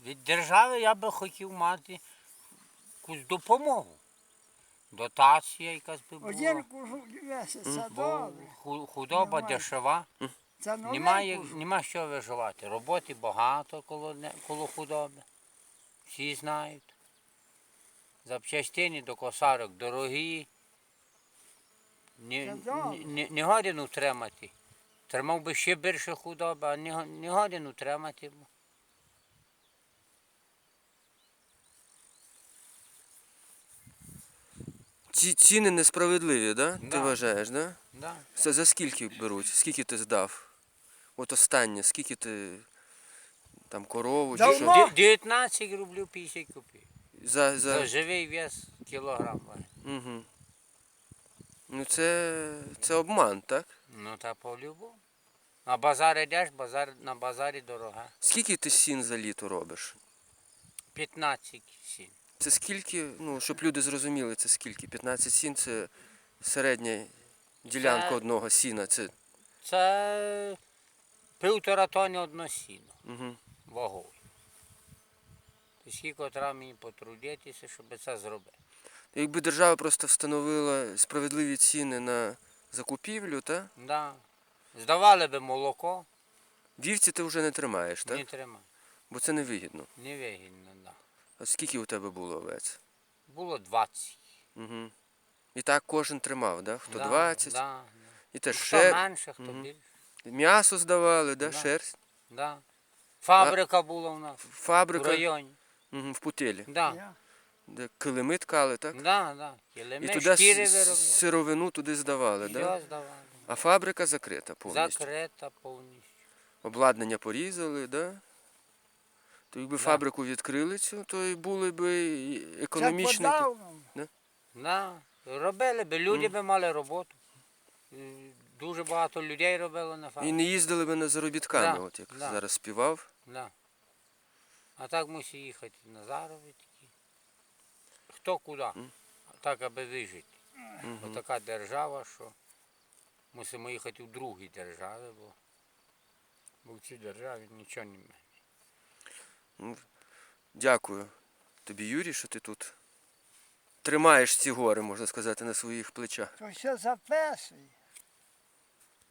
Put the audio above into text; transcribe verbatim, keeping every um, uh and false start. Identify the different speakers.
Speaker 1: від держави я би хотів мати якусь допомогу. Дотація якась би була.
Speaker 2: Один кожух місяця,
Speaker 1: Бо
Speaker 2: добре.
Speaker 1: ху- худоба
Speaker 2: Немає.
Speaker 1: дешева.
Speaker 2: Це новий
Speaker 1: Немає,
Speaker 2: кожух.
Speaker 1: нема що виживати. Роботи багато коло, не- коло худоби. Всі знають. Запчастини до косарок дорогі. Не,
Speaker 2: Це добре.
Speaker 1: не, не годен утримати. Тримав би ще більше худоби, а не, го- не годен утримати.
Speaker 3: Ці ціни несправедливі, да? Ти
Speaker 1: Да.
Speaker 3: вважаєш, да?
Speaker 1: Да.
Speaker 3: Це за скільки беруть? Скільки ти здав? От останнє, скільки ти там корову чи
Speaker 2: Давно?
Speaker 3: що?
Speaker 2: Ма-
Speaker 1: Ді- дев'ятнадцять рублів п'ятдесят копійок.
Speaker 3: За,
Speaker 1: За
Speaker 3: за...
Speaker 1: живий вес кілограм. важить.
Speaker 3: Угу. Ну це, це обман, так?
Speaker 1: Ну та по-любому. На базар йдеш, базар, на базарі дорога.
Speaker 3: Скільки ти сін за літо робиш?
Speaker 1: п'ятнадцять сім.
Speaker 3: Це скільки, ну, щоб люди зрозуміли, це скільки? п'ятнадцять сін це середня ділянка
Speaker 1: Це-
Speaker 3: одного сіна. Це...
Speaker 1: Це півтора тони одно сіно
Speaker 3: Угу.
Speaker 1: вагою. То скільки треба мені потрудитися, щоб це зробити.
Speaker 3: Якби держава просто встановила справедливі ціни на закупівлю, та?
Speaker 1: Да. Здавали би молоко,
Speaker 3: Вівці ти вже не тримаєш, так?
Speaker 1: не тримай.
Speaker 3: Бо це невигідно.
Speaker 1: Невигідно, да.
Speaker 3: А скільки у тебе було овець?
Speaker 1: Було двадцять.
Speaker 3: Угу. І так кожен тримав, да? Хто
Speaker 1: Да,
Speaker 3: двадцять,
Speaker 1: Да, да.
Speaker 3: і теж
Speaker 1: Хто
Speaker 3: шер...
Speaker 1: менше, хто
Speaker 3: Мгм.
Speaker 1: більше.
Speaker 3: м'ясо здавали, да?
Speaker 1: Да.
Speaker 3: Шерсть.
Speaker 1: Да. Фабрика була у нас в
Speaker 3: Фабрика
Speaker 1: районі.
Speaker 3: угу, в Путилі,
Speaker 1: Да.
Speaker 2: Я.
Speaker 3: де килими ткали, так?
Speaker 1: Да, да.
Speaker 3: І
Speaker 1: Килими,
Speaker 3: туди
Speaker 1: шкіри
Speaker 3: с-
Speaker 1: виробляли.
Speaker 3: сировину туди здавали, да?
Speaker 1: Все здавали.
Speaker 3: А фабрика закрита повністю.
Speaker 1: Закрита повністю.
Speaker 3: Обладнання порізали, да? То якби
Speaker 1: Да.
Speaker 3: фабрику відкрили цю, то і були б і
Speaker 2: Це
Speaker 3: економічно.
Speaker 2: по-давному.
Speaker 1: Да. Робили би, люди би мали роботу. І дуже багато людей робило на
Speaker 3: І
Speaker 1: фабриці.
Speaker 3: не їздили б на заробітками,
Speaker 1: Да,
Speaker 3: от як
Speaker 1: да.
Speaker 3: зараз співав.
Speaker 1: Да. А так мусить їхати на заробітки. Хто куди? Так, аби вижити.
Speaker 3: Мгм.
Speaker 1: Отака держава, що мусимо їхати в другі держави, бо, бо в цій державі нічого немає.
Speaker 3: Ну, дякую тобі, Юрій, що ти тут тримаєш ці гори, можна сказати, на своїх плечах.
Speaker 2: То все записує.